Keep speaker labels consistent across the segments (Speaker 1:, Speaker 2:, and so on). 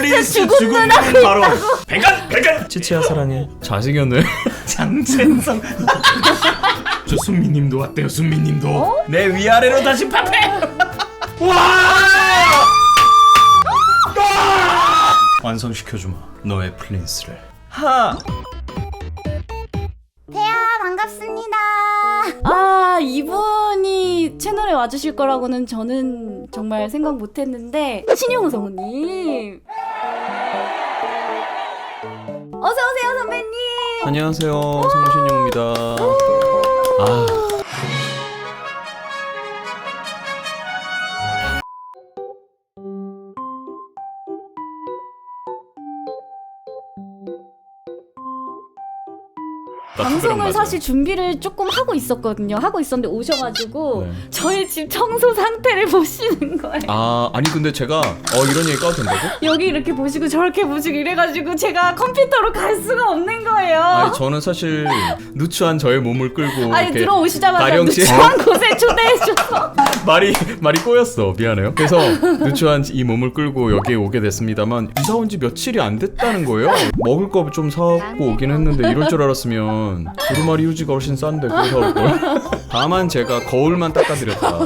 Speaker 1: 플린스 죽음은 바로 백안
Speaker 2: 치치야 사랑해. 잘생겼네.
Speaker 1: 장첸성. 저 순미님도 왔대요. 순미님도 내 위아래로 다시 파패. 와! 완성시켜주마 너의 플린스를. 하!
Speaker 3: 태야 반갑습니다. 아 이분이 채널에 와주실 거라고는 저는 정말 생각 못했는데 신용우 성우님 어서오세요 선배님.
Speaker 2: 안녕하세요, 성신용입니다. 아,
Speaker 3: 방송을 사실 준비를 조금 하고 있었거든요. 하고 있었는데 오셔가지고
Speaker 2: 네.
Speaker 3: 저희 집 청소 상태를 보시는 거예요.
Speaker 2: 아니 근데 제가 이런 얘기 까도 된다고?
Speaker 3: 여기 이렇게 보시고 저렇게 보시고 이래가지고 제가 컴퓨터로 갈 수가 없는 거예요.
Speaker 2: 아니 저는 사실 누추한 저의 몸을 끌고
Speaker 3: 아니
Speaker 2: 이렇게
Speaker 3: 들어오시자마자
Speaker 2: 가령 씨
Speaker 3: 누추한 곳에 초대해줘서
Speaker 2: 말이 꼬였어. 미안해요. 그래서 누추한 이 몸을 끌고 여기에 오게 됐습니다만 이사 온 지 며칠이 안 됐다는 거예요. 먹을 거 좀 사갖고 오긴 했는데 이럴 줄 알았으면 두루마리 휴지가 훨씬 싼데 그거 사올 걸. 다만 제가 거울만 닦아드렸다.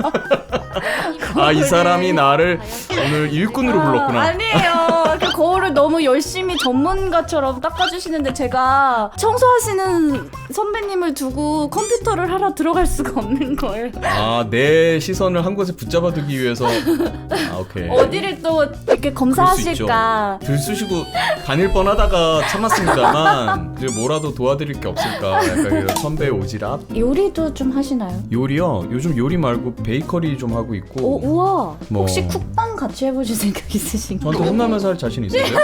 Speaker 2: 아, 이 사람이 나를 오늘 일꾼으로 불렀구나.
Speaker 3: 아니에요. 그 거울을 너무 열심히 전문가처럼 닦아주시는데 제가 청소하시는 선배님을 두고 컴퓨터를 하러 들어갈 수가 없는 거예요.
Speaker 2: 아, 내 시선을 한 곳에 붙잡아두기 위해서. 아, 오케이.
Speaker 3: 어디를 또 이렇게 검사하실까.
Speaker 2: 들쑤시고 다닐 뻔하다가 참았습니다만 이제 뭐라도 도와드릴 게 없을까. 약간 이런 선배의 오지랖.
Speaker 3: 요리도 좀 하시나요?
Speaker 2: 요리요? 요즘 요리 말고 베이커리 좀 하고 있고.
Speaker 3: 우와.
Speaker 2: 뭐.
Speaker 3: 혹시 쿡방 같이 해보실 생각 있으신가요?
Speaker 2: 저한테 혼나면서 할 자신 있으세요?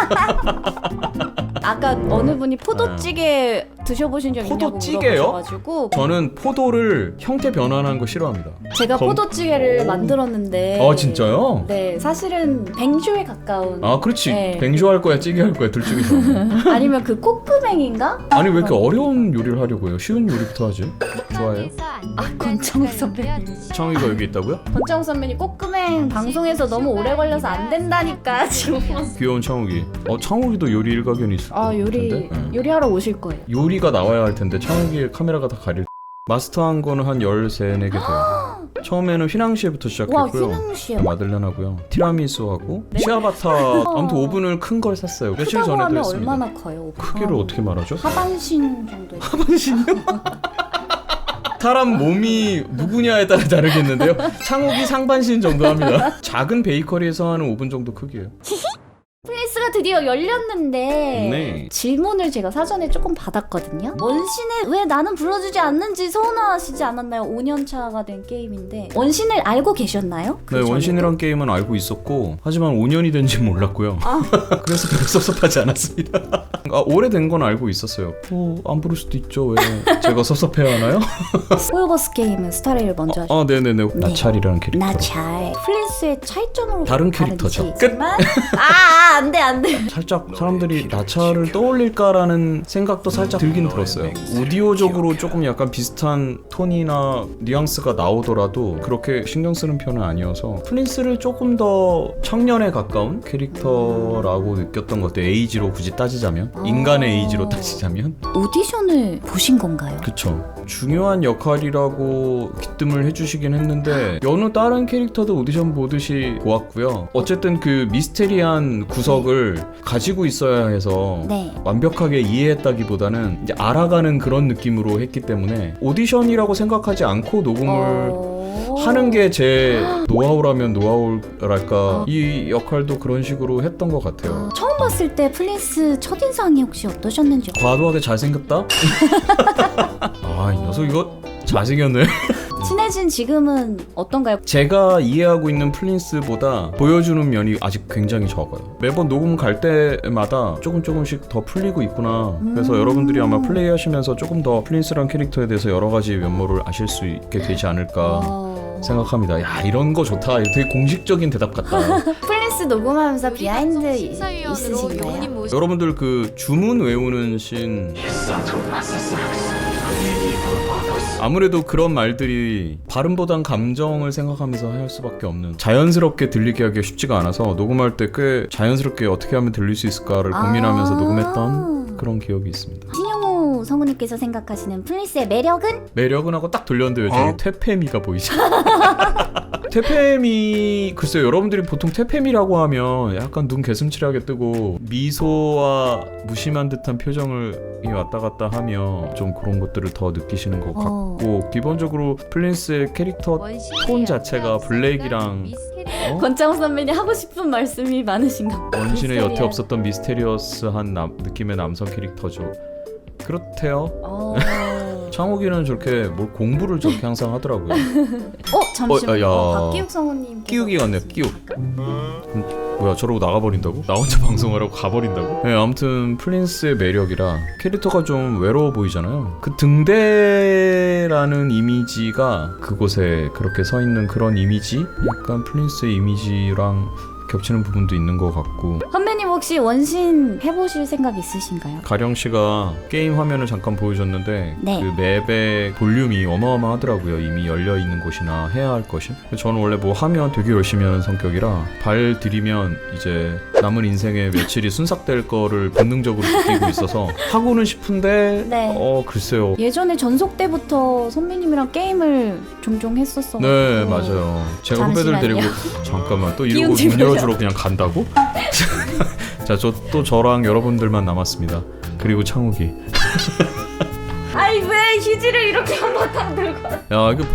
Speaker 3: 아까 어느 분이 포도찌개 드셔보신 적 있냐고
Speaker 2: 포도찌개요?
Speaker 3: 물어보셔가지고
Speaker 2: 저는 포도를 형태 변환한 거 싫어합니다.
Speaker 3: 제가 포도찌개를 만들었는데
Speaker 2: 아, 진짜요?
Speaker 3: 네, 사실은 뱅쇼에 가까운.
Speaker 2: 아, 그렇지.
Speaker 3: 네.
Speaker 2: 뱅쇼 할 거야, 찌개 할 거야, 둘 중에서.
Speaker 3: 아니면 그 코크뱅인가?
Speaker 2: 아니 왜 이렇게 어려운 요리를 하려고 해요? 쉬운 요리부터 하지. 좋아해요?
Speaker 3: 아, 권창욱 선배님.
Speaker 2: 창의가 여기 있다고요?
Speaker 3: 권창욱 선배님 코크뱅 방송에서 너무 오래 걸려서 안 된다니까 지금.
Speaker 2: 귀여운 창욱이. 창욱이도 요리 일가견이 있을
Speaker 3: 아,
Speaker 2: 텐데. 네.
Speaker 3: 요리하러 오실 거예요.
Speaker 2: 요리가 나와야 할 텐데 창욱이의 카메라가 다 가릴. 마스터한 거는 한 13, 4개 돼요. 처음에는 휘낭시에부터
Speaker 3: 와,
Speaker 2: 시작했고요.
Speaker 3: 휘낭시에
Speaker 2: 마들렌 하고요. 티라미수하고 시아바타. 아무튼 오븐을 큰 걸 샀어요. 며칠
Speaker 3: 크다고
Speaker 2: 전에도
Speaker 3: 하면
Speaker 2: 했습니다.
Speaker 3: 얼마나 커요?
Speaker 2: 크기를 어떻게 말하죠?
Speaker 3: 하반신 정도.
Speaker 2: 사람 몸이 누구냐에 따라 다르겠는데요. 창욱이 상반신 정도 합니다. 작은 베이커리에서 하는 오븐 정도 크기예요.
Speaker 3: 플리스가 드디어 열렸는데
Speaker 2: 네.
Speaker 3: 질문을 제가 사전에 조금 받았거든요. 원신을 왜 나는 불러주지 않는지 서운하시지 않았나요? 5년 차가 된 게임인데 원신을 알고 계셨나요? 그
Speaker 2: 네,
Speaker 3: 전에도?
Speaker 2: 원신이란 게임은 알고 있었고 하지만 5년이 된지 몰랐고요. 그래서 별로 섭섭하지 않았습니다. 오래된 건 알고 있었어요. 안 부를 수도 있죠. 왜 제가 섭섭해하나요?
Speaker 3: 호요버스 게임은 스타레이를 먼저 하셨죠.
Speaker 2: 네네네. 나찰이라는 캐릭터.
Speaker 3: 나잘 플리스의 차이점으로
Speaker 2: 다른 캐릭터죠.
Speaker 3: 끝. 안돼.
Speaker 2: 살짝 사람들이 나차를 떠올릴까라는 생각도 살짝 들긴 들었어요. 오디오적으로 조금 약간 비슷한 톤이나 뉘앙스가 나오더라도 그렇게 신경 쓰는 편은 아니어서 플린스를 조금 더 청년에 가까운 캐릭터라고 느꼈던 것 같아요. 에이지로 굳이 따지자면, 인간의 에이지로 따지자면.
Speaker 3: 오디션을 보신 건가요?
Speaker 2: 그쵸. 중요한 역할이라고 기뜸을 해주시긴 했는데 여느 다른 캐릭터도 오디션 보듯이 보았고요. 어쨌든 그 미스테리한 구석을 가지고 있어야 해서
Speaker 3: 네.
Speaker 2: 완벽하게 이해했다기보다는 이제 알아가는 그런 느낌으로 했기 때문에 오디션이라고 생각하지 않고 녹음을 하는 게 제 노하우라면 노하우랄까. 이 역할도 그런 식으로 했던 것 같아요.
Speaker 3: 처음 봤을 때 플리스 첫인상이 혹시 어떠셨는지?
Speaker 2: 과도하게 잘생겼다? 아, 이 녀석 이거 잘생겼네.
Speaker 3: 친해진 지금은 어떤가요?
Speaker 2: 제가 이해하고 있는 플린스보다 보여주는 면이 아직 굉장히 적어요. 매번 녹음 갈 때마다 조금씩 더 풀리고 있구나. 그래서 여러분들이 아마 플레이하시면서 조금 더 플린스란 캐릭터에 대해서 여러 가지 면모를 아실 수 있게 되지 않을까 생각합니다. 야, 이런 거 좋다. 되게 공식적인 대답 같다.
Speaker 3: 플린스 녹음하면서 비하인드 있으신가요?
Speaker 2: 여러분들 그 주문 외우는 씬 아무래도 그런 말들이 발음보단 감정을 생각하면서 할 수밖에 없는, 자연스럽게 들리게 하기가 쉽지가 않아서 녹음할 때 꽤 자연스럽게 어떻게 하면 들릴 수 있을까를 고민하면서 녹음했던 그런 기억이 있습니다.
Speaker 4: 신용호 성우님께서 생각하시는 플린스의 매력은?
Speaker 2: 매력은 하고 딱 돌렸는데 저기 퇴폐미가 보이죠? 퇴폐미, 글쎄요, 여러분들이 보통 퇴폐미라고 하면 약간 눈 개슴츠레하게 뜨고 미소와 무심한 듯한 표정을 왔다 갔다 하며 좀 그런 것들을 더 느끼시는 것 같고, 기본적으로 플린스의 캐릭터 톤 자체가 블랙이랑
Speaker 3: 권창우 선배님 하고 싶은 말씀이 많으신가?
Speaker 2: 원신의 여태 없었던 미스테리어스한 느낌의 남성 캐릭터죠. 그렇대요. 창욱이는 저렇게 뭘 공부를 저렇게 항상 하더라고요.
Speaker 3: 잠시만요.
Speaker 2: 야.
Speaker 3: 박기욱 성우님.
Speaker 2: 끼우기 같네요. 끼욱. 뭐야, 저러고 나가버린다고? 나 혼자 방송하라고 가버린다고? 네, 아무튼 플린스의 매력이라 캐릭터가 좀 외로워 보이잖아요. 그 등대라는 이미지가 그곳에 그렇게 서 있는 그런 이미지? 약간 플린스의 이미지랑 겹치는 부분도 있는 것 같고.
Speaker 3: 선배님 혹시 원신 해보실 생각 있으신가요?
Speaker 2: 가령 씨가 게임 화면을 잠깐 보여줬는데
Speaker 4: 네.
Speaker 2: 그 맵의 볼륨이 어마어마하더라고요. 이미 열려 있는 곳이나 해야 할 것이. 저는 원래 뭐 하면 되게 열심히 하는 성격이라 발 들이면 이제 남은 인생의 며칠이 순삭될 거를 본능적으로 느끼고 있어서 하고는 싶은데
Speaker 3: 네.
Speaker 2: 글쎄요.
Speaker 3: 예전에 전속 때부터 선배님이랑 게임을 종종 했었어.
Speaker 2: 네, 맞아요. 제가 후배들
Speaker 3: 잠시만요.
Speaker 2: 데리고 잠깐만 또 이러고
Speaker 3: 기운
Speaker 2: 문
Speaker 3: 집으려.
Speaker 2: 열어주러 그냥 간다고? 자, 저랑 여러분들만 남았습니다. 그리고 창욱이.
Speaker 3: 아이 왜 휴지를 이렇게 한바탕 들고?
Speaker 2: 야, 이거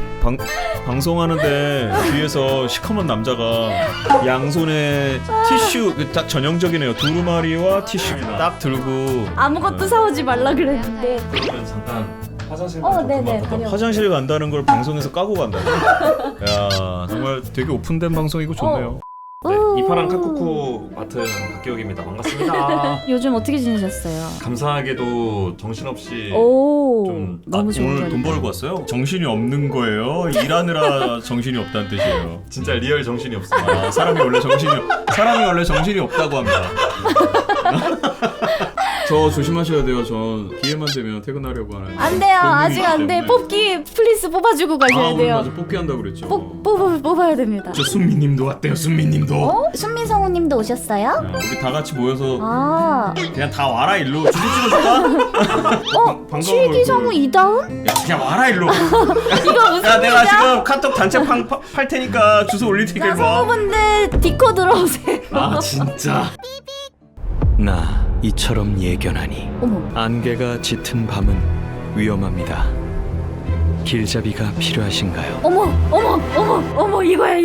Speaker 2: 방송하는데 뒤에서 시커먼 남자가 양손에 티슈, 딱 전형적이네요. 두루마리와 티슈 딱 들고.
Speaker 3: 아무것도 사오지 말라 그랬는데.
Speaker 1: 그러면 잠깐 화장실
Speaker 3: 네네. 다녀올게요.
Speaker 2: 화장실 간다는 걸 방송에서 까고 간다고? 야, 정말 되게 오픈된 방송이고 좋네요.
Speaker 1: 네, 이파랑 카쿠쿠 맡은 박기욱입니다. 반갑습니다.
Speaker 3: 요즘 어떻게 지내셨어요?
Speaker 1: 감사하게도 정신없이
Speaker 3: 오,
Speaker 1: 좀
Speaker 3: 너무 좋은
Speaker 1: 오늘
Speaker 3: 자리.
Speaker 1: 돈 벌고 왔어요? 정신이 없는 거예요? 일하느라 정신이 없다는 뜻이에요. 진짜 리얼 정신이 없어요. 사람이 원래 정신이 없다고 합니다.
Speaker 2: 저 조심하셔야 돼요. 저 기회만 되면 퇴근하려고 하는.
Speaker 3: 안 돼요.
Speaker 2: 본능이
Speaker 3: 아직
Speaker 2: 있기
Speaker 3: 안 돼.
Speaker 2: 때문에.
Speaker 3: 뽑기 플리스 뽑아주고 가셔야
Speaker 2: 오늘
Speaker 3: 돼요.
Speaker 2: 맞아, 뽑기 한다고 그랬죠.
Speaker 3: 뽑아야 됩니다.
Speaker 1: 저 순미님도 왔대요. 순미님도.
Speaker 4: 순민 성우님도 오셨어요?
Speaker 2: 야, 우리 다 같이 모여서
Speaker 3: 아,
Speaker 1: 그냥 다 와라 일로. 주소 찍어줄까?
Speaker 3: 칠기 성우 이다운?
Speaker 1: 야, 그냥 와라 일로.
Speaker 3: 이거 무슨
Speaker 1: 야, 내가
Speaker 3: 일이야?
Speaker 1: 지금 카톡 단체 팔 테니까 주소 올릴 테니까
Speaker 3: 자,
Speaker 1: 일로 와.
Speaker 3: 성우분들 디코 들어오세요.
Speaker 1: 아, 진짜.
Speaker 5: 나 이처럼 예견하니
Speaker 3: 어머,
Speaker 5: 안개가 짙은 밤은 위험합니다. 길잡이가 필요하신가요?
Speaker 3: 어머, 이거야,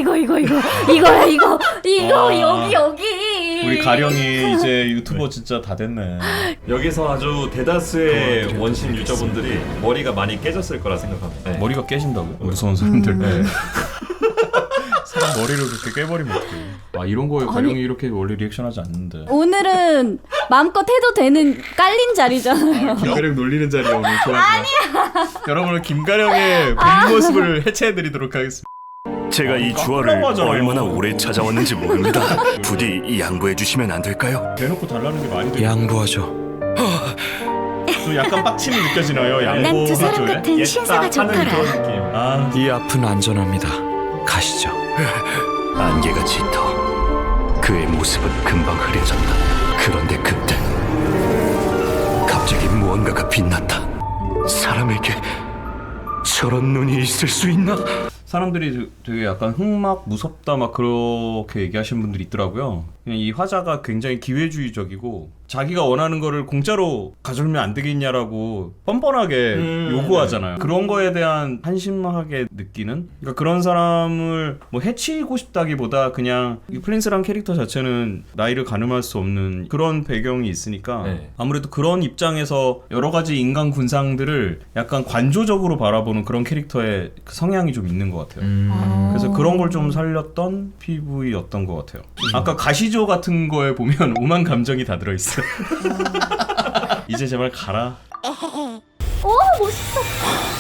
Speaker 1: 아.
Speaker 3: 여기.
Speaker 1: 우리 가령이 이제 유튜버 진짜 다 됐네. 여기서 아주 대다수의 원신 유저분들이 머리가 많이 깨졌을 거라 생각합니다. 네.
Speaker 2: 머리가 깨진다고요? 무서운 사람들.
Speaker 1: 네. 사람 머리를 그렇게 깨버리면 어떡해.
Speaker 2: 아, 이런 거에 가령이 이렇게 원래 리액션하지 않는데.
Speaker 3: 오늘은 마음껏 해도 되는 깔린 자리잖아요.
Speaker 1: 김가령 놀리는 자리에 오늘 아니야. 여러분은 김가령의 본 모습을 해체해드리도록 하겠습니다.
Speaker 6: 제가 이 주화를
Speaker 1: 깜깜하잖아요.
Speaker 6: 얼마나 오래 찾아왔는지 모릅니다. 부디 양보해 주시면 안 될까요?
Speaker 1: 대놓고 달라는 게 많이 들려.
Speaker 5: 양보하죠.
Speaker 1: 좀 약간 빡침이 느껴지나요? 양보.
Speaker 4: 난 두 사람 같은 신사가 좋더라.
Speaker 1: 그런 느낌. 아,
Speaker 5: 이 앞은 안전합니다. 가시죠.
Speaker 6: 안개가 짙어 그의 모습은 금방 흐려졌다. 그런데 그때 갑자기 무언가가 빛났다. 사람에게 저런 눈이 있을 수 있나?
Speaker 2: 사람들이 되게 약간 흑막 무섭다 막 그렇게 얘기하시는 분들이 있더라고요. 그냥 이 화자가 굉장히 기회주의적이고 자기가 원하는 거를 공짜로 가져오면 안 되겠냐라고 뻔뻔하게 요구하잖아요. 그런 거에 대한 한심하게 느끼는, 그러니까 그런 사람을 뭐 해치고 싶다기보다 그냥 이 플린스란 캐릭터 자체는 나이를 가늠할 수 없는 그런 배경이 있으니까
Speaker 1: 네.
Speaker 2: 아무래도 그런 입장에서 여러 가지 인간 군상들을 약간 관조적으로 바라보는 그런 캐릭터의 그 성향이 좀 있는 것 같아요. 그래서 그런 걸 좀 살렸던 PV였던 것 같아요. 아까 가시조 같은 거에 보면 오만 감정이 다 들어있어요. 이제 제발 가라.
Speaker 3: 멋있어.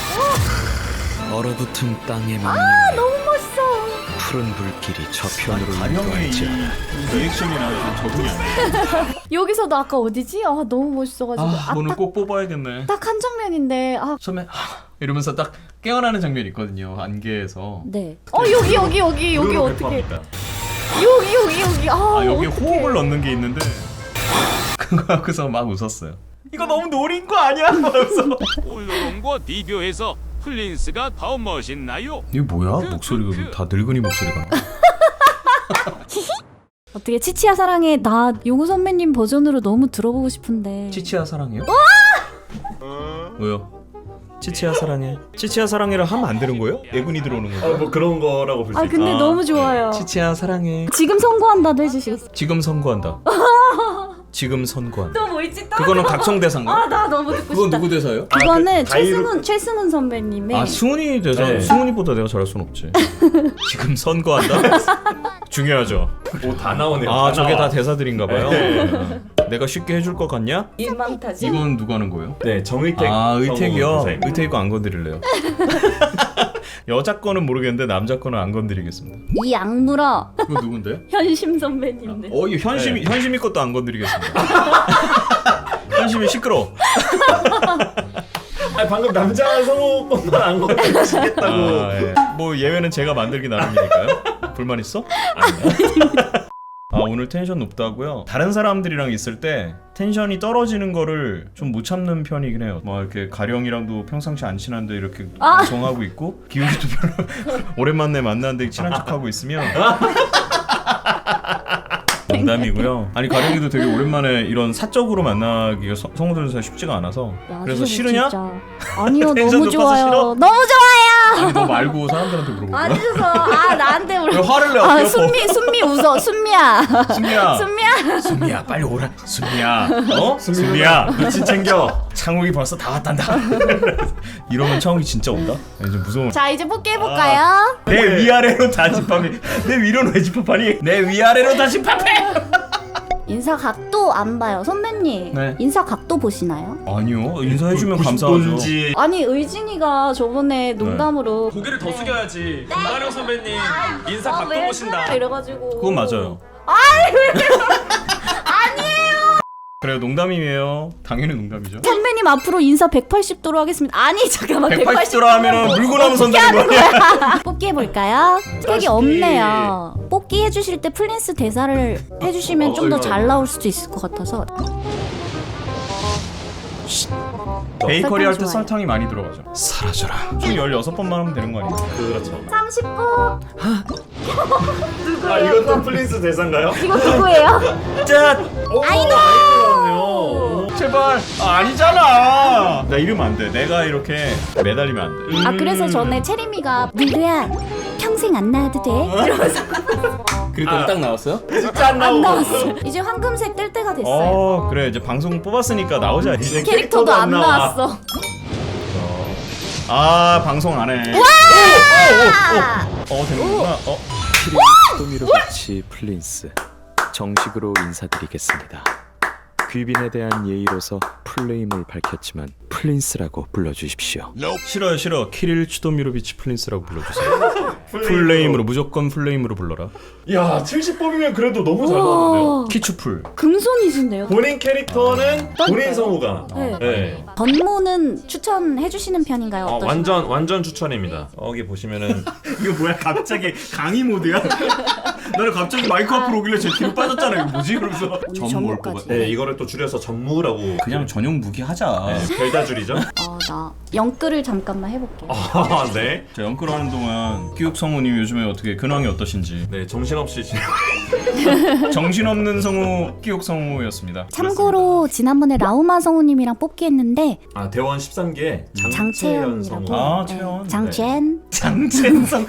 Speaker 5: 얼어붙은 땅에 맞는
Speaker 3: 너무 멋있어.
Speaker 5: 푸른 불길이 저편으로
Speaker 2: 가령의
Speaker 5: 인도할지어다.
Speaker 2: 이 리액션이랑 좀 적응이 안 돼.
Speaker 3: 여기서도 아까 어디지? 너무 멋있어가지고.
Speaker 2: 오늘 꼭 뽑아야겠네.
Speaker 3: 딱 한 장면인데
Speaker 2: 처음에 이러면서 딱 깨어나는 장면이 있거든요. 안개에서.
Speaker 3: 네. 여기 어떻게? 여기.
Speaker 2: 아 여기 호흡을 넣는 게 있는데 그거 하고서 막 웃었어요. 이거 너무 노린 거 아니야? 하면서.
Speaker 7: 홀로론과 비교해서 플린스가 더 멋있나요?
Speaker 2: 이게 뭐야? 목소리가 다 늙은이 목소리가.
Speaker 3: 어떻게 치치야 사랑해 나 용우 선배님 버전으로 너무 들어보고 싶은데.
Speaker 2: 치치야 사랑해요? 왜요? 치치야 사랑해. 치치야 사랑해를 하면 안 되는 거예요? 예군이 들어오는 거예요?
Speaker 1: 뭐 그런 거라고 볼 수 있죠.
Speaker 3: 근데 너무 좋아요.
Speaker 2: 치치야 사랑해.
Speaker 3: 지금 선고한다도 해주시겠어요?
Speaker 2: 지금 선고한다. 지금 선고한다.
Speaker 3: 또 뭐 있지?
Speaker 2: 그거는 각성 대사인가?
Speaker 3: 나 너무 듣고
Speaker 2: 그건
Speaker 3: 싶다.
Speaker 2: 누구 대사예요?
Speaker 3: 그거는
Speaker 1: 자유롭-
Speaker 3: 최승훈 선배님의
Speaker 2: 아 승훈이 대사.
Speaker 1: 네.
Speaker 2: 승훈이보다 내가 잘할 순 없지. 지금 선고한다? 중요하죠.
Speaker 1: 다 나오네요.
Speaker 2: 아 저게
Speaker 1: 나와.
Speaker 2: 다 대사들인가 봐요.
Speaker 1: 네.
Speaker 2: 내가 쉽게 해줄 것 같냐?
Speaker 3: 일망타지.
Speaker 2: 이건 누가 하는 거예요?
Speaker 1: 네, 정의택.
Speaker 2: 아 의택이요?
Speaker 1: 성우 대사입니다.
Speaker 2: 의택 거 안 건드릴래요. 여자 거는 모르겠는데 남자 거는 안 건드리겠습니다.
Speaker 3: 이 악물어
Speaker 2: 그거 누군데?
Speaker 3: 현심 선배님네.
Speaker 2: 이 현심이 것도 안 건드리겠습니다. 현심이 시끄러.
Speaker 1: 아니, 방금 남자 성우 것만 안 건드리시겠다고.
Speaker 2: 예. 뭐 예외는 제가 만들기 나름이니까요. 불만 있어? 아 오늘 텐션 높다고요? 다른 사람들이랑 있을 때 텐션이 떨어지는 거를 좀 못 참는 편이긴 해요. 뭐 이렇게 가령이랑도 평상시 안 친한데 이렇게 정하고 있고 기욱이도 별로 오랜만에 만났는데 친한 척하고 있으면 농담이고요. 아니 가령이도 되게 오랜만에 이런 사적으로 만나기가 성우들 사이 쉽지가 않아서
Speaker 3: 야,
Speaker 2: 그래서
Speaker 3: 진짜
Speaker 2: 싫으냐?
Speaker 3: 진짜. 아니요
Speaker 2: 텐션
Speaker 3: 너무
Speaker 2: 높아서
Speaker 3: 좋아요.
Speaker 2: 싫어?
Speaker 3: 너무 좋아요.
Speaker 2: 아니 너 말고 사람들한테 물어보고
Speaker 3: 앉으셔서 나한테
Speaker 2: 왜
Speaker 3: 물어.
Speaker 2: 화를 내? 어깨
Speaker 3: 순미 웃어. 순미야.
Speaker 2: 순미야 순미야 빨리 오라 순미야 순미야
Speaker 1: 너 진 챙겨.
Speaker 2: 창욱이 벌써 다 왔단다. 이러면 창욱이 진짜 온다? 아니 좀 무서워.
Speaker 3: 자 이제 뽑기 해볼까요?
Speaker 2: 내 위아래로 다 집합해. 내 위로는 왜 집합하니? 내 위아래로 다 집합해.
Speaker 3: 인사 각도 안 봐요 선배님.
Speaker 2: 네.
Speaker 3: 인사 각도 보시나요?
Speaker 2: 아니요 인사해주면 감사하죠.
Speaker 1: 뭔지.
Speaker 3: 아니 의진이가 저번에 농담으로
Speaker 1: 고개를 더 숙여야지. 김가령 선배님 인사 각도
Speaker 3: 왜
Speaker 1: 보신다.
Speaker 3: 그래? 이래가지고
Speaker 2: 그건 맞아요. 그래요 농담이에요. 당연히 농담이죠.
Speaker 3: 선배님 앞으로 인사 180도로 하겠습니다. 아니 잠깐만
Speaker 2: 180도로 하면은 물고 나면 손 되는 거 아니야?
Speaker 3: 뽑기 해볼까요? 택이 없네요. 뽑기 해주실 때 플린스 대사를 해주시면 좀 더 잘 나올 수도 있을 것 같아서.
Speaker 2: 베이커리 할 때
Speaker 3: 좋아요.
Speaker 2: 설탕이 많이 들어가죠.
Speaker 5: 사라져라.
Speaker 2: 총 16번만 하면 되는 거 아니에요?
Speaker 1: 그렇죠.
Speaker 3: 30분.
Speaker 1: 아, 이것도 플린스 대사인가요?
Speaker 3: 이거 누구예요?
Speaker 2: 짠!
Speaker 1: 아이고.
Speaker 2: 제발 아니잖아. 나 이러면 안 돼. 내가 이렇게 매달리면 안 돼.
Speaker 3: 아 그래서 전에 체리미가 누구야 평생 안 나와도 돼? 이러면서
Speaker 2: 그랬더니 딱 나왔어요?
Speaker 1: 진짜 안
Speaker 3: 안
Speaker 1: 나오고.
Speaker 3: 나왔어. 이제 황금색 뜰 때가 됐어요.
Speaker 2: 그래 이제 방송 뽑았으니까 나오자. 이제
Speaker 3: 캐릭터도 안
Speaker 1: 나와.
Speaker 3: 나왔어.
Speaker 2: 아 방송 안 해. 되는구나.
Speaker 5: 토미로비치 플린스 정식으로 인사드리겠습니다. 귀빈에 대한 예의로서 풀네임을 밝혔지만 플린스라고 불러주십시오.
Speaker 2: 싫어. 키릴 추도미로비치 플린스라고 불러주세요. 풀네임으로 무조건 풀네임으로 불러라.
Speaker 1: 야, 70뽑이면 그래도 너무 잘 나왔는데요.
Speaker 2: 키추풀.
Speaker 3: 금손이신데요.
Speaker 1: 본인 캐릭터는 본인 성우가.
Speaker 3: 네.
Speaker 1: 네.
Speaker 3: 전모는 추천해주시는 편인가요? 어떠신가요?
Speaker 1: 완전 추천입니다. 여기 보시면은
Speaker 2: 이거 뭐야 갑자기 강의 모드야? 나는 갑자기 마이크 앞으로 오길래 제 뒤로 빠졌잖아. 이거 뭐지? 그러면서 전무 올 것
Speaker 3: 전무까지.
Speaker 2: 같아.
Speaker 1: 네, 이거를 또 줄여서 전무라고.
Speaker 2: 그냥 전용 무기 하자.
Speaker 1: 네, 별다줄이죠.
Speaker 3: 나 영끌을 잠깐만 해볼게요.
Speaker 1: 아, 네.
Speaker 2: 자 연끌 하는 동안 끼욱 성우님 요즘에 어떻게 근황이 어떠신지.
Speaker 1: 네, 정신없이 지내고.
Speaker 2: 정신없는 성우 끼욱 성우였습니다.
Speaker 3: 참고로 지난번에 라우마 성우님이랑 뽑기 했는데
Speaker 1: 아, 대원 13기 장채연
Speaker 3: 장채연이라고.
Speaker 1: 성우.
Speaker 2: 아 채연.
Speaker 3: 장첸.
Speaker 2: 장첸성.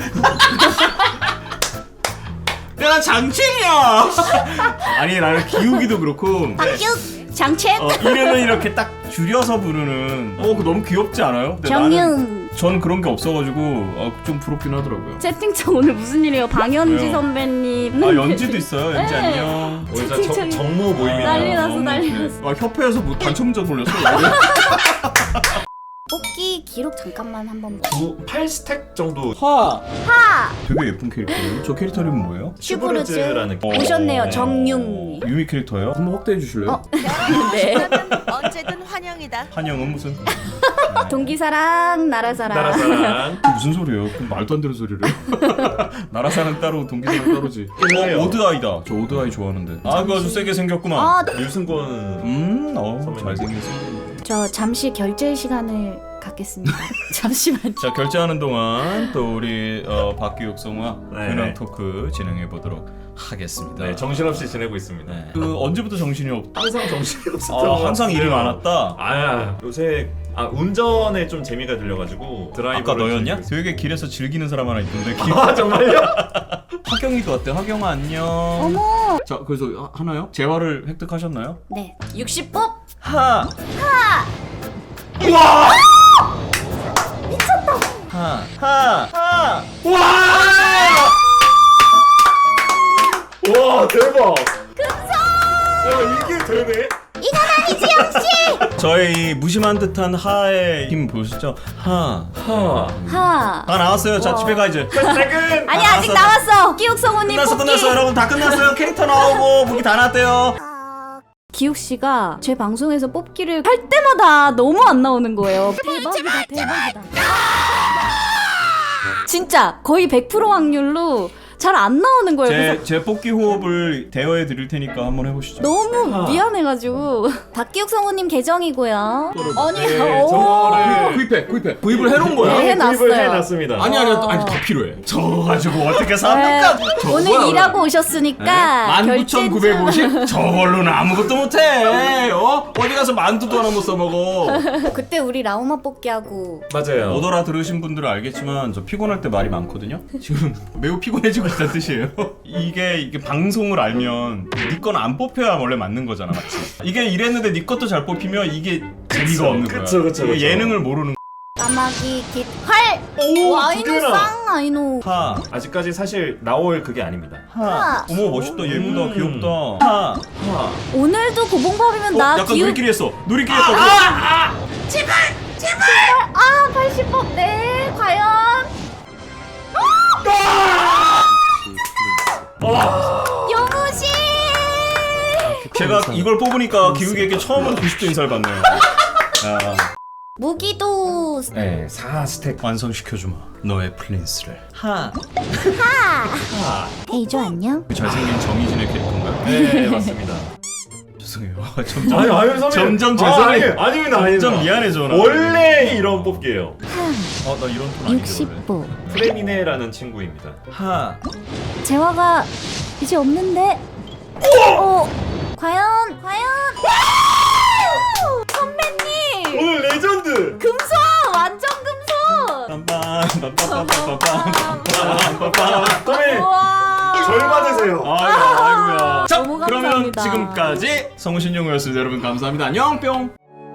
Speaker 2: 야 장첸이야. 아니 나는 기욱이도 그렇고.
Speaker 3: 박규. 장첸.
Speaker 2: 이름을 이렇게 딱 줄여서 부르는. 그거 너무 귀엽지 않아요? 근데 나는
Speaker 3: 정윤.
Speaker 2: 전 그런 게 없어가지고 좀 부럽긴 하더라고요.
Speaker 3: 채팅창 오늘 무슨 일이에요? 방현지
Speaker 2: 왜요?
Speaker 3: 선배님.
Speaker 2: 연지도 있어요. 연지
Speaker 3: 네.
Speaker 2: 안녕.
Speaker 1: 오늘 진짜
Speaker 3: 채팅창이
Speaker 1: 정무 모임이네요.
Speaker 3: 난리 났어.
Speaker 2: 협회에서 뭐 단체 문자 돌렸어.
Speaker 4: 뽑기 기록 잠깐만 한번 봐.
Speaker 1: 8스택 정도.
Speaker 2: 하! 되게 예쁜 캐릭터예요. 저 캐릭터 이름은 뭐예요?
Speaker 1: 슈브르즈라는
Speaker 3: 오셨네요, 정융.
Speaker 2: 유미 캐릭터예요? 한번 확대해 주실래요?
Speaker 3: 네.
Speaker 8: 언제든 환영이다.
Speaker 2: 한영은 무슨?
Speaker 3: 동기사랑, 나라사랑.
Speaker 1: 나라사랑.
Speaker 2: 그게 무슨 소리예요? 그럼 말도 안 되는 소리를 해요? 나라사랑 따로 동기사랑 따로지.
Speaker 1: 끝나요.
Speaker 2: 오드아이다. 저 오드아이 좋아하는데. 아, 그거 아주 세게 생겼구만.
Speaker 3: 아,
Speaker 1: 류승권.
Speaker 2: 잘생겼어.
Speaker 3: 저 잠시 결제 시간을 갖겠습니다. 잠시만요.
Speaker 2: 자, 결제하는 동안 또 우리 박기욱 성우와
Speaker 1: 네.
Speaker 2: 근황 토크 진행해 보도록 하겠습니다.
Speaker 1: 네, 정신없이 지내고 있습니다.
Speaker 2: 네. 그 언제부터 정신이
Speaker 1: 항상 정신이 없었던 것
Speaker 2: 항상
Speaker 1: 같은데요.
Speaker 2: 일이 많았다.
Speaker 1: 요새 운전에 좀 재미가 들려가지고 드라이브.
Speaker 2: 아까 너였냐? 되게 길에서 즐기는 사람 하나 있던데.
Speaker 1: 정말요?
Speaker 2: 하경이도 어때? 하경아 안녕.
Speaker 3: 어머.
Speaker 2: 자, 그래서 하나요? 재화를 획득하셨나요?
Speaker 4: 네.
Speaker 3: 60뽑?
Speaker 2: 하.
Speaker 1: 와 대박. 야 이게 되네.
Speaker 2: 저희 무심한 듯한 하의 힘 보시죠? 하.
Speaker 3: 하.
Speaker 2: 다 나왔어요. 자, 집에 가 이제.
Speaker 1: 퇴근.
Speaker 3: 아니, 아직 나왔어. 기욱 성우님 뽑기.
Speaker 2: 끝났어 여러분. 다 끝났어요. 캐릭터 나오고 무기 다 나왔대요.
Speaker 3: 기욱 씨가 제 방송에서 뽑기를 할 때마다 너무 안 나오는 거예요. 대박이다. 진짜 거의 100% 확률로 잘 안 나오는 거예요. 그래서
Speaker 2: 제 뽑기 호흡을 대여해 드릴 테니까 한번 해보시죠.
Speaker 3: 너무 미안해가지고.
Speaker 4: 박기욱 성우님 계정이고요.
Speaker 3: 아니,
Speaker 1: 네,
Speaker 3: 오.
Speaker 1: 저거를
Speaker 2: 구입을 해놓은 거야.
Speaker 3: 네, 해놨어요.
Speaker 1: 구입을 해놨습니다.
Speaker 2: 아니 더 필요해. 저거 가지고 어떻게
Speaker 3: 네,
Speaker 2: 삽니까?
Speaker 3: 오늘 일하고 오셨으니까
Speaker 2: 19,950? 저걸로는 아무것도 못해. 어디 가서 만두도 하나 못 써먹어.
Speaker 4: 그때 우리 라우마 뽑기하고
Speaker 1: 맞아요.
Speaker 2: 못 알아들으신 분들은 알겠지만 저 피곤할 때 말이 많거든요. 지금 매우 피곤해지고 있다는 뜻이에요. 이게 방송을 알면 네 건 안 뽑혀야 원래 맞는 거잖아, 맞지? 이게 이랬는데 네 것도 잘 뽑히면 이게 재미가 없는 거야.
Speaker 1: 그쵸.
Speaker 2: 이게 예능을 모르는
Speaker 4: 까마귀 깃활.
Speaker 1: 오,
Speaker 4: 아이노
Speaker 1: 두 개나.
Speaker 4: 쌍 아이노.
Speaker 2: 하.
Speaker 1: 아직까지 사실 나올 그게 아닙니다.
Speaker 2: 하. 어머 멋있다, 예쁘다, 귀엽다. 하.
Speaker 3: 오늘도 고봉밥이면 나
Speaker 2: 약간
Speaker 3: 기욱.
Speaker 2: 누리끼리 했어. 누리끼리 했어.
Speaker 3: 아, 80뽑. 네, 과연.
Speaker 4: 영우씨.
Speaker 2: 제가 이걸 뽑으니까 기욱이에게 처음으로 90도 인사를 받네요. 야.
Speaker 4: 무기도
Speaker 2: 네, 4스택 완성시켜주마. 너의 플린스를. 하.
Speaker 4: 헤이조 안녕.
Speaker 2: 그 잘생긴 정희진의 캐릭터인가요?
Speaker 1: 네 맞습니다.
Speaker 2: 죄송해요. 점점
Speaker 1: 아니 선배님.
Speaker 2: 점점 죄송해.
Speaker 1: 아닙니다.
Speaker 2: 점점 미안해져. 나.
Speaker 1: 원래 이런 뽑기예요.
Speaker 2: 나 이런 톤 아닌데 원래.
Speaker 4: 60보.
Speaker 1: 프레미네라는 친구입니다.
Speaker 2: 하.
Speaker 4: 재화가 이제 없는데. 과연.
Speaker 3: 선배님.
Speaker 1: 오늘 레전드.
Speaker 3: 금손. 완전 금손.
Speaker 2: 빰빰빰빰빰빰빰빰빰빰빰.
Speaker 1: 선배님
Speaker 3: 우와.
Speaker 1: 절 받으세요.
Speaker 2: 아이고야. 자,
Speaker 3: 너무
Speaker 2: 그러면
Speaker 3: 감사합니다.
Speaker 2: 지금까지 성우신용이었습니다. 여러분 감사합니다. 안녕 뿅.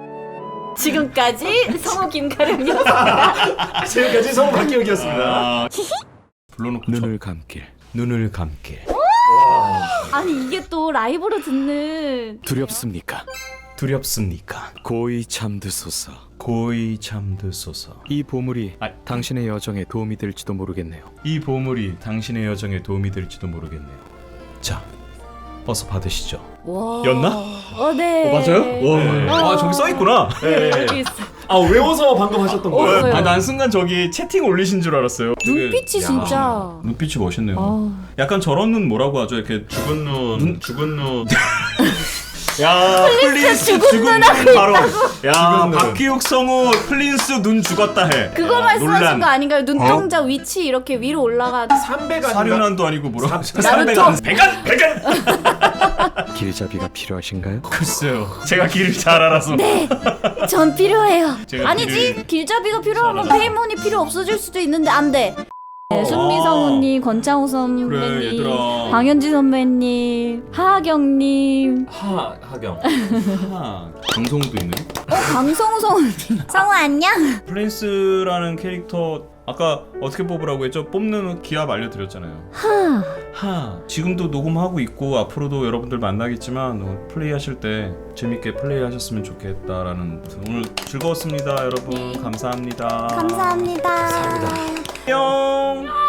Speaker 3: 지금까지 성우 김가령이었습니다.
Speaker 1: 지금까지 성우 박기혁이었습니다.
Speaker 2: 아, 불러놓고
Speaker 5: 눈을 감길, 눈을 감길.
Speaker 3: 아니, 이게 또 라이브로 듣는.
Speaker 5: 두렵습니까?
Speaker 2: 두렵습니까?
Speaker 5: 고이 잠드소서.
Speaker 2: 고이 잠드소서.
Speaker 5: 이 보물이
Speaker 2: 아,
Speaker 5: 당신의 여정에 도움이 될지도 모르겠네요.
Speaker 2: 이 보물이 당신의 여정에 도움이 될지도 모르겠네요. 자, 어서 받으시죠.
Speaker 3: 와.
Speaker 2: 였나?
Speaker 3: 네.
Speaker 2: 맞아요?
Speaker 1: 네.
Speaker 2: 와, 저기 써 있구나.
Speaker 1: 네.
Speaker 3: 여기 있어.
Speaker 1: 외워서 방금 하셨던 거예요?
Speaker 3: 네.
Speaker 2: 난 순간 저기 채팅 올리신 줄 알았어요.
Speaker 3: 눈빛이
Speaker 2: 되게-
Speaker 3: 진짜.
Speaker 2: 야, 눈빛이 멋있네요.
Speaker 3: 아.
Speaker 2: 약간 저런 눈 뭐라고 하죠? 이렇게
Speaker 1: 죽은 눈.
Speaker 2: 야, 플린스 죽은 눈 바로. 야,
Speaker 1: 죽은 눈.
Speaker 2: 박기욱 성우 플린스 눈 죽었다 해.
Speaker 3: 그거
Speaker 2: 야,
Speaker 3: 말씀하신
Speaker 2: 논란.
Speaker 3: 거 아닌가요? 눈동자 위치 이렇게 위로 올라가.
Speaker 1: 300
Speaker 2: 사륜한도 아니고 뭐라고?
Speaker 3: 나루토.
Speaker 2: 300안. 배간.
Speaker 5: 길잡이가 필요하신가요?
Speaker 2: 글쎄요. 제가 길을 잘 알아서.
Speaker 3: 전 필요해요.
Speaker 2: 제가
Speaker 3: 아니지, 길잡이가 필요하면
Speaker 2: 잘하네.
Speaker 3: 페이몬이 필요 없어질 수도 있는데 안 돼. 네, 순미 성우님, 권창호 선배님,
Speaker 2: 그래, 얘들아.
Speaker 3: 방현지 선배님, 하하경님,
Speaker 1: 하경.
Speaker 2: 방송도 있네.
Speaker 3: 강성우 성우님.
Speaker 4: 성우 안녕.
Speaker 2: 플린스라는 캐릭터 아까 어떻게 뽑으라고 했죠? 뽑는 기합 알려드렸잖아요. 하. 지금도 녹음하고 있고 앞으로도 여러분들 만나겠지만 플레이하실 때 재밌게 플레이하셨으면 좋겠다라는 오늘 즐거웠습니다, 여러분. 감사합니다.
Speaker 4: 감사합니다.
Speaker 2: 안녕.